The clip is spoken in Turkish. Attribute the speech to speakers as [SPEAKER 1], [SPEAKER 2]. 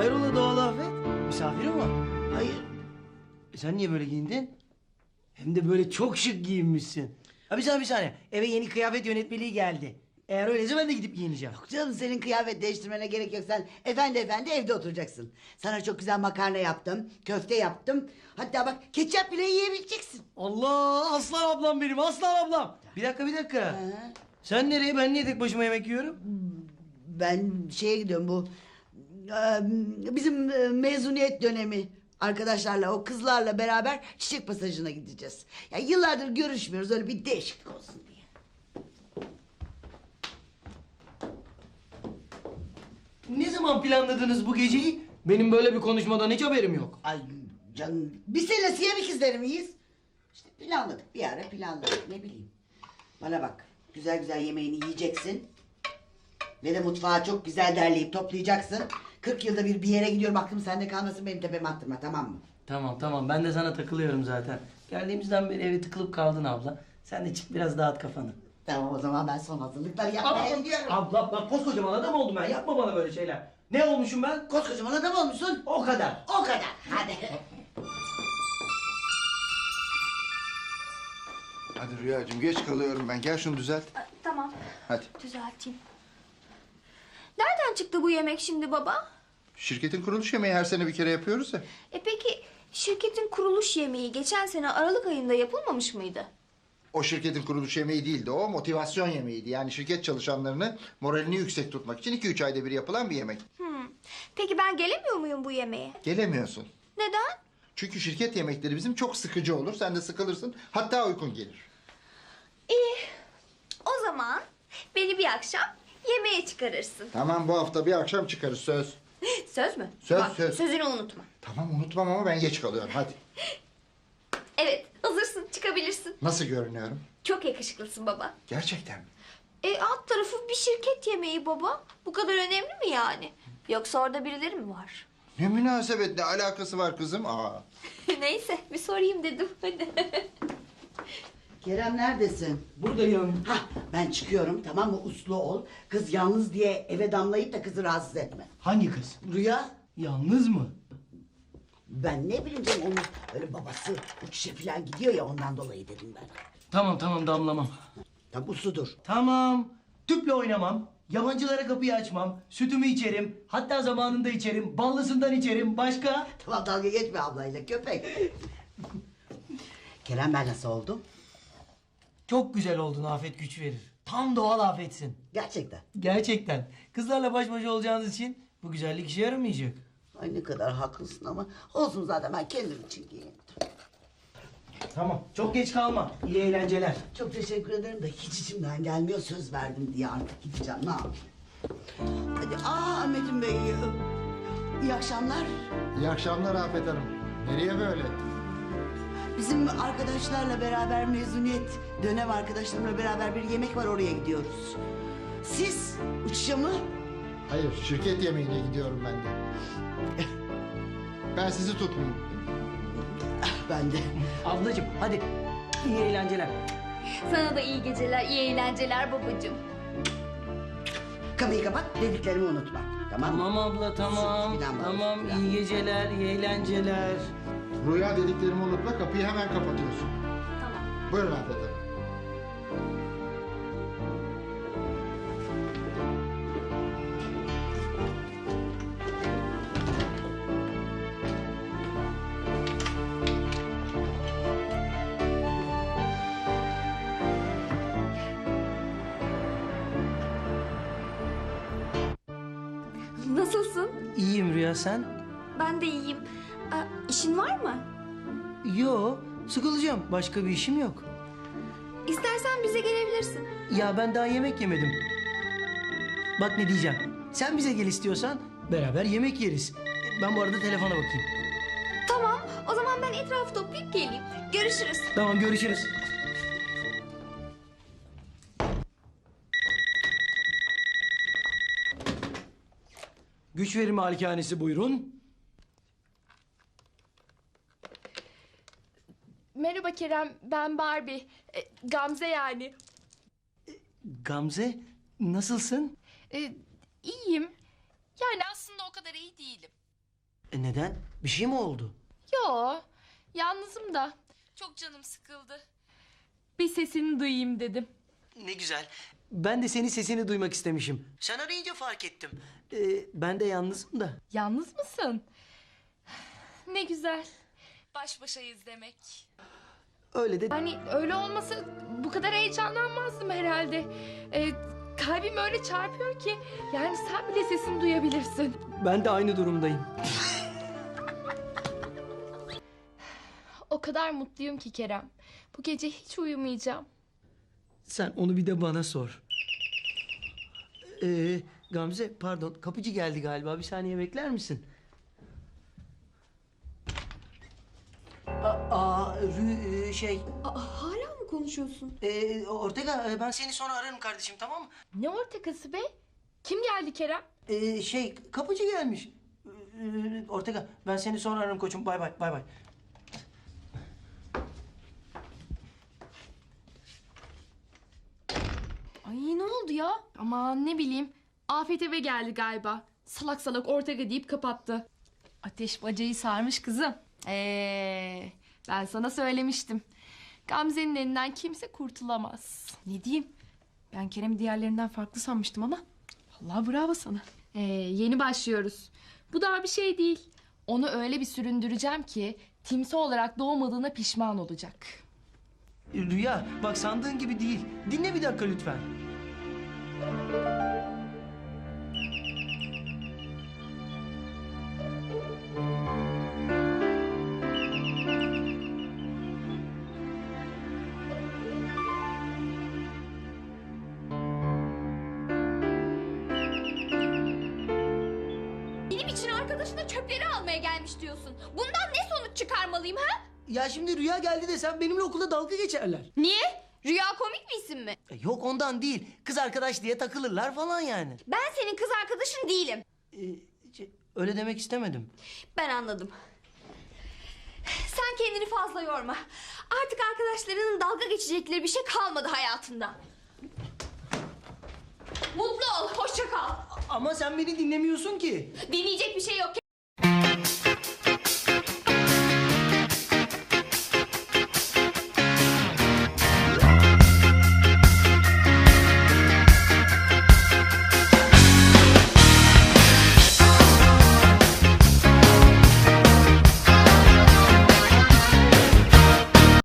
[SPEAKER 1] Hayrola Doğal Afet? Misafirin var.
[SPEAKER 2] Hayır.
[SPEAKER 1] Sen niye böyle giyindin? Hem de böyle çok şık giyinmişsin. Ha bir saniye. Eve yeni kıyafet yönetmeliği geldi. Eğer öyleyse ben de gidip giyineceğim.
[SPEAKER 2] Yok canım, senin kıyafet değiştirmene gerek yok. Sen efendi evde oturacaksın. Sana çok güzel makarna yaptım. Köfte yaptım. Hatta bak, ketçap bile yiyebileceksin.
[SPEAKER 1] Allah, aslan ablam benim, aslan ablam. Bir dakika.
[SPEAKER 2] Ha.
[SPEAKER 1] Sen nereye, ben niye tek başıma yemek yiyorum?
[SPEAKER 2] Ben şeye gidiyorum, bu bizim mezuniyet dönemi. Arkadaşlarla, o kızlarla beraber Çiçek Pasajı'na gideceğiz. Ya yıllardır görüşmüyoruz, öyle bir değişiklik olsun diye.
[SPEAKER 1] Ne zaman planladınız bu geceyi? Benim böyle bir konuşmadan hiç haberim yok.
[SPEAKER 2] Ay canım, biz seninle siyah ikizleri miyiz? İşte planladık, bir ara planladık, ne bileyim. Bana bak, güzel güzel yemeğini yiyeceksin. Ve de mutfağı çok güzel derleyip toplayacaksın. 40 yılda bir yere gidiyorum, aklım sende kalmasın, benim tepeme attırma, tamam mı?
[SPEAKER 1] Tamam, ben de sana takılıyorum zaten. Geldiğimizden beri eve tıkılıp kaldın abla. Sen de çık biraz dağıt kafanı.
[SPEAKER 2] Tamam, o zaman ben son hazırlıkları yapmaya gidiyorum.
[SPEAKER 1] Abla koskocaman adam oldum ben, yapma bana böyle şeyler. Ne olmuşum ben?
[SPEAKER 2] Koskocaman adam olmuşsun.
[SPEAKER 1] O kadar.
[SPEAKER 2] O kadar, hadi.
[SPEAKER 3] Hadi Rüyacığım, geç kalıyorum ben. Gel şunu düzelt.
[SPEAKER 4] Tamam.
[SPEAKER 3] Hadi.
[SPEAKER 4] Düzelteyim. Nereden çıktı bu yemek şimdi baba?
[SPEAKER 3] Şirketin kuruluş yemeği her sene bir kere yapıyoruz ya.
[SPEAKER 4] Peki şirketin kuruluş yemeği geçen sene Aralık ayında yapılmamış mıydı?
[SPEAKER 3] O şirketin kuruluş yemeği değildi. O motivasyon yemeğiydi. Yani şirket çalışanlarını moralini yüksek tutmak için 2-3 ayda bir yapılan bir yemek.
[SPEAKER 4] Peki ben gelemiyor muyum bu yemeğe?
[SPEAKER 3] Gelemiyorsun.
[SPEAKER 4] Neden?
[SPEAKER 3] Çünkü şirket yemekleri bizim çok sıkıcı olur. Sen de sıkılırsın. Hatta uykun gelir.
[SPEAKER 4] İyi. O zaman beni bir akşam yemeğe çıkarırsın.
[SPEAKER 3] Tamam, bu hafta bir akşam çıkarız, söz.
[SPEAKER 4] Söz mü?
[SPEAKER 3] Söz,
[SPEAKER 4] Bak,
[SPEAKER 3] söz.
[SPEAKER 4] sözünü unutma.
[SPEAKER 3] Tamam, unutmam ama ben geç kalıyorum. Hadi.
[SPEAKER 4] Evet, hazırsın, çıkabilirsin.
[SPEAKER 3] Nasıl görünüyorum?
[SPEAKER 4] Çok yakışıklısın baba.
[SPEAKER 3] Gerçekten mi?
[SPEAKER 4] Alt tarafı bir şirket yemeği baba. Bu kadar önemli mi yani? Yoksa orada birileri mi var?
[SPEAKER 3] Ne münasebet, ne alakası var kızım? Aa.
[SPEAKER 4] Neyse, bir sorayım dedim. Hadi.
[SPEAKER 2] Kerem, neredesin?
[SPEAKER 1] Buradayım.
[SPEAKER 2] Hah, ben çıkıyorum, tamam mı? Uslu ol. Kız yalnız diye eve damlayıp da kızı rahatsız etme.
[SPEAKER 1] Hangi kız?
[SPEAKER 2] Rüya,
[SPEAKER 1] Yalnız mı?
[SPEAKER 2] ben ne bileyim canım, onun öyle babası uçuşa falan gidiyor ya, ondan dolayı dedim ben.
[SPEAKER 1] Tamam damlamam.
[SPEAKER 2] Tam usludur.
[SPEAKER 1] Tamam. Tüple oynamam. Yabancılara kapıyı açmam. Sütümü içerim. Hatta zamanında içerim. Ballısından içerim. Başka?
[SPEAKER 2] Tamam, dalga geçme ablayla, köpek. Kerem, ben nasıl oldum?
[SPEAKER 1] Çok güzel oldun, Afet güç verir. Tam doğal Afetsin.
[SPEAKER 2] Gerçekten.
[SPEAKER 1] Gerçekten. Kızlarla baş başa olacağınız için bu güzellik işe yaramayacak.
[SPEAKER 2] Ay ne kadar haklısın ama olsun, zaten ben kendim için giyindim.
[SPEAKER 1] Tamam. Çok geç kalma. İyi eğlenceler.
[SPEAKER 2] Çok teşekkür ederim de hiç içimden gelmiyor, söz verdim diye artık gideceğim, ne yapayım? Hadi, Metin Bey, iyi akşamlar.
[SPEAKER 3] İyi akşamlar Afet Hanım. Nereye böyle?
[SPEAKER 2] Bizim arkadaşlarla beraber, mezuniyet dönem arkadaşlarımla beraber bir yemek var, oraya gidiyoruz. Siz uçuşa mı?
[SPEAKER 3] Hayır, şirket yemeğine gidiyorum ben de. Ben sizi tutmayayım.
[SPEAKER 2] Ben de.
[SPEAKER 1] Ablacığım hadi. İyi eğlenceler.
[SPEAKER 4] Sana da iyi geceler, iyi eğlenceler babacığım.
[SPEAKER 2] Kapıyı kapat, dediklerimi unutma. Tamam mı?
[SPEAKER 1] Tamam abla tamam.
[SPEAKER 2] Filan var,
[SPEAKER 1] Tamam
[SPEAKER 2] filan.
[SPEAKER 1] iyi geceler, iyi eğlenceler.
[SPEAKER 3] Rüya dediklerimi unutma, kapıyı hemen kapatıyorsun.
[SPEAKER 4] Tamam.
[SPEAKER 3] Buyurun Afet Hanım.
[SPEAKER 4] Nasılsın?
[SPEAKER 1] İyiyim Rüya, sen?
[SPEAKER 4] Ben de iyiyim. İşin var mı?
[SPEAKER 1] Yo, sıkılacağım. Başka bir işim yok.
[SPEAKER 4] İstersen bize gelebilirsin.
[SPEAKER 1] Ya ben daha yemek yemedim. Bak ne diyeceğim. Sen bize gel istiyorsan beraber yemek yeriz. Ben bu arada telefona bakayım.
[SPEAKER 4] Tamam, o zaman ben etrafı toplayıp geleyim. Görüşürüz.
[SPEAKER 1] Tamam görüşürüz. Güç verir malikanesi buyurun.
[SPEAKER 5] Merhaba Kerem, ben Barbie. Gamze yani.
[SPEAKER 1] Gamze nasılsın?
[SPEAKER 5] İyiyim. Yani aslında o kadar iyi değilim.
[SPEAKER 1] Neden? Bir şey mi oldu?
[SPEAKER 5] Yo, yalnızım da. Çok canım sıkıldı. Bir sesini duyayım dedim.
[SPEAKER 1] Ne güzel. Ben de senin sesini duymak istemişim. Sen arayınca fark ettim. Ben de yalnızım da.
[SPEAKER 5] Yalnız mısın? Ne güzel. Baş başayız demek.
[SPEAKER 1] Öyle de...
[SPEAKER 5] Hani öyle olmasa bu kadar heyecanlanmazdım herhalde. Kalbim öyle çarpıyor ki yani sen bile sesini duyabilirsin.
[SPEAKER 1] Ben de aynı durumdayım.
[SPEAKER 5] O kadar mutluyum ki Kerem. Bu gece hiç uyumayacağım.
[SPEAKER 1] Sen onu bir de bana sor. Gamze pardon kapıcı geldi galiba. Bir saniye bekler misin?
[SPEAKER 4] Hala mı konuşuyorsun?
[SPEAKER 1] Ortega ben seni sonra ararım kardeşim tamam mı?
[SPEAKER 5] Ne ortakası be? Kim geldi Kerem?
[SPEAKER 1] Kapıcı gelmiş. Ortega ben seni sonra ararım koçum. Bay bay bay bay.
[SPEAKER 5] Ay ne oldu ya? Aman ne bileyim. Afet eve geldi galiba. Salak salak Ortega deyip kapattı. Ateş bacayı sarmış kızım. Ben sana söylemiştim. Gamze'nin elinden kimse kurtulamaz.
[SPEAKER 6] Ne diyeyim? Ben Kerem'i diğerlerinden farklı sanmıştım ama. Allah bravo sana.
[SPEAKER 5] Yeni başlıyoruz. Bu daha bir şey değil. Onu öyle bir süründüreceğim ki timsah olarak doğmadığına pişman olacak.
[SPEAKER 1] Rüya bak sandığın gibi değil. Dinle bir dakika lütfen.
[SPEAKER 4] Benim için arkadaşına çöpleri almaya gelmiş diyorsun. Bundan ne sonuç çıkarmalıyım ha?
[SPEAKER 1] Ya şimdi Rüya geldi desem benimle okulda dalga geçerler.
[SPEAKER 4] Niye? Rüya komik bir isim mi?
[SPEAKER 1] Yok ondan değil. Kız arkadaş diye takılırlar falan yani.
[SPEAKER 4] Ben senin kız arkadaşın değilim.
[SPEAKER 1] Öyle demek istemedim.
[SPEAKER 4] Ben anladım. Sen kendini fazla yorma. Artık arkadaşlarının dalga geçecekleri bir şey kalmadı hayatında. Mutlu ol, hoşça kal.
[SPEAKER 1] Ama sen beni dinlemiyorsun ki.
[SPEAKER 4] Dinleyecek bir şey yok.